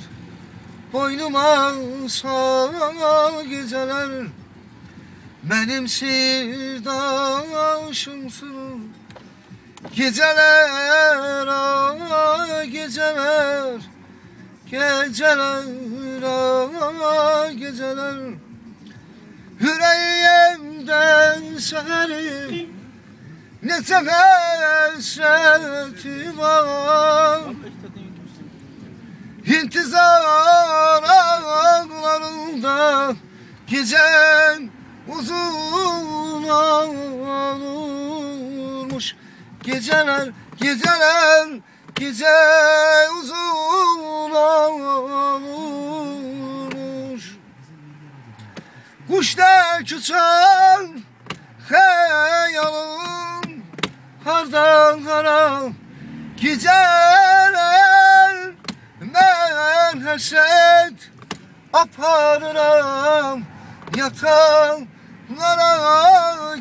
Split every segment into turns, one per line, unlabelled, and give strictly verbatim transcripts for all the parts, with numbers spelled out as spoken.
boynuma sar geceler. Benim sirdaşımsın. Geceler ah geceler, geceler ah geceler. Yüreğimden seni ne hasreti var. İntizar ağlarında gecen uzun olmuş. Geceler, geceler, gece uzun olmuş. Kuşlar uçar hayalım hardan hara. Geceler ben hasret aparırım yatanlara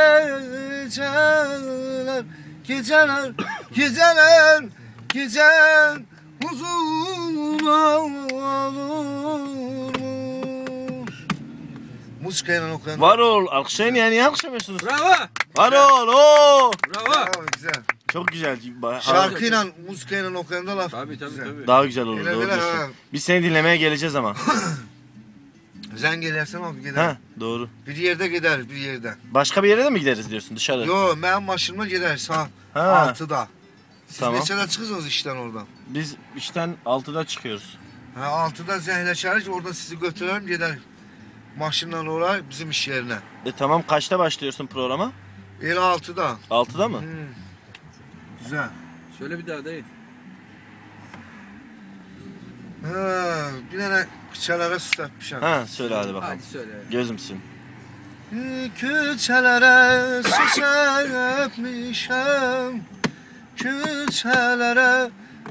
geceler. Geceler, geceler, geceler uzun olmuş. Muskayla okuyan.
Var ol, alkışlayın yani, niye alkışlamıyorsunuz?
Bravo.
Var ol, ooo.
Bravo. Bravo, güzel.
Çok güzel.
Şarkıyla, muskayla okuyan da laf.
Tabii tabii
güzel.
tabii.
Daha güzel olur,
Bile
doğru
bile,
diyorsun.
ha.
Biz seni dinlemeye geleceğiz ama.
Sen gelirsen abi gider.
Ha, doğru.
Bir yerde gider, bir yerde.
Başka bir yere de mi gideriz diyorsun, dışarı?
Yo, ben maşınıma gider sağ
Ha.
altıda. Siz
Tamam.
neçede çıkıyorsunuz işten oradan?
Biz işten altıda çıkıyoruz.
Ha, altıda zehirleşeriz, orada sizi götürelim gider. Maşınla oraya bizim iş yerine.
E tamam, kaçta başlıyorsun programa?
El altıda.
altıda mı?
Hmm. Güzel.
Şöyle bir daha değil.
Ha, bir tane kıçalara süsletmişim.
Ha, söyle hadi bakalım.
Hadi söyle.
Gözümsün.
Küçelere süsletmişim. Küçelere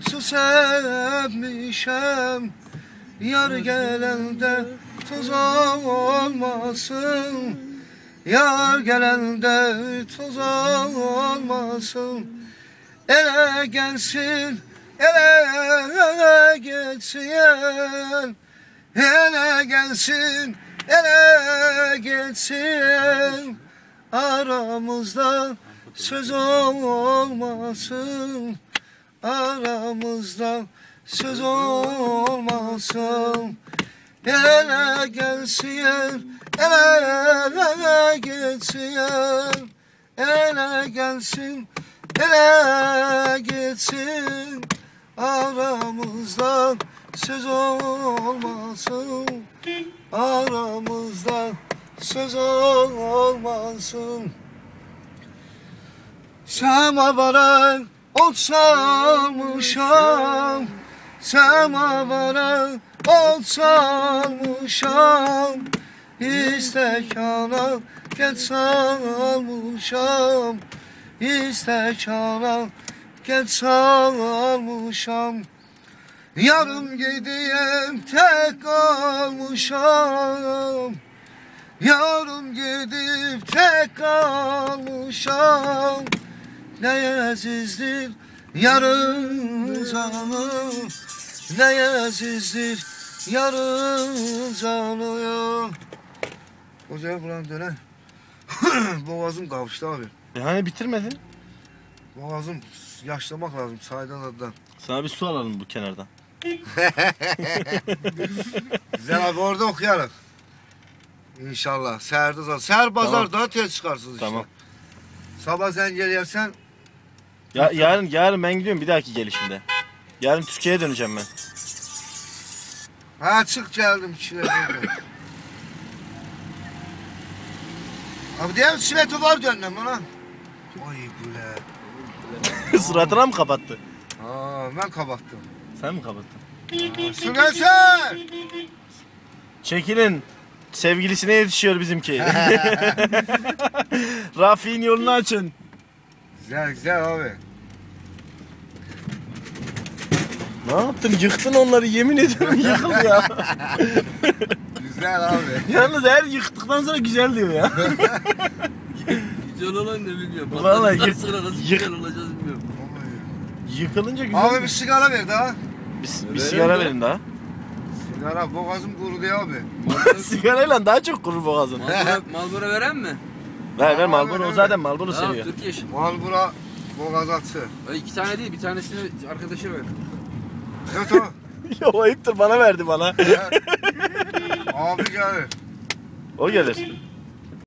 süsletmişim. Yar gelende toz olmasın. Yar gelende toz olmasın. Ele gelsin, ele geçsin. Ele gelsin, ele geçsin. Aramızda söz olmasın. Aramızda söz olmasın. Ele gelsin, ele geçsin. Ele gelsin, ele geçsin. Aramızda söz olmasın. Aramızda söz olmasın. Semavara ot salmışam. Semavara ot salmışam. İstekana geç salmışam. İstekana geç salmışam. Yarım gideyim tek kalmışam. Yarım gidip tek kalmışam. Ne azizdir yarın canım. Ne azizdir yarın canım. Hocam buranın döner. Boğazım kavuştu abi.
E hani bitirmedin?
Boğazım yaşlamak lazım saydan adıdan.
Sana bir su alalım bu kenardan.
Güzel abi orada okuyalım. İnşallah. Seher de Seher pazar daha tez çıkarsınız işte.
Tamam.
Sabah sen gelirsen.
Ya yarın yarın ben gidiyorum bir dahaki gelişimde. Yarın Türkiye'ye döneceğim ben.
Ha çık geldim içine. Abi diğer çileti var döndüm bana. Oy güle.
Suratına mı kapattı?
Aa ben kapattım.
Sen mi kapattın?
Süreser.
Çekilin. Sevgilisine yetişiyor bizimki. Rafi'nin yolunu açın.
Güzel güzel abi.
Ne yaptın? Yıktın onları, yemin ediyorum yıkıl ya.
Güzel abi.
Yalnız her yıktıktan sonra güzel diyor ya.
Güzel olan ne bilmiyorum.
Vallahi
Patladıktan
yık-
sonra nasıl
yık-
güzel olacağız bilmiyorum.
Yıkılınca güzel.
Abi bir sigara ver daha.
Bir, bir
Verelim
sigara
de.
verin daha.
Sigara boğazım kurudu ya abi.
Marlboro,
Sigarayla daha çok kurur boğazın.
Marlboro, Marlboro veren mi?
Ver ver
Abi,
Marlboro. O
evet.
zaten Marlboro
Tamam,
seviyor.
Türkiye işi.
Malbura boğaz atı.
Ay, İki tane değil, bir tanesini arkadaşa ver.
Evet o.
Yo ayıptır bana verdi bana.
Abi gelir.
O gelir.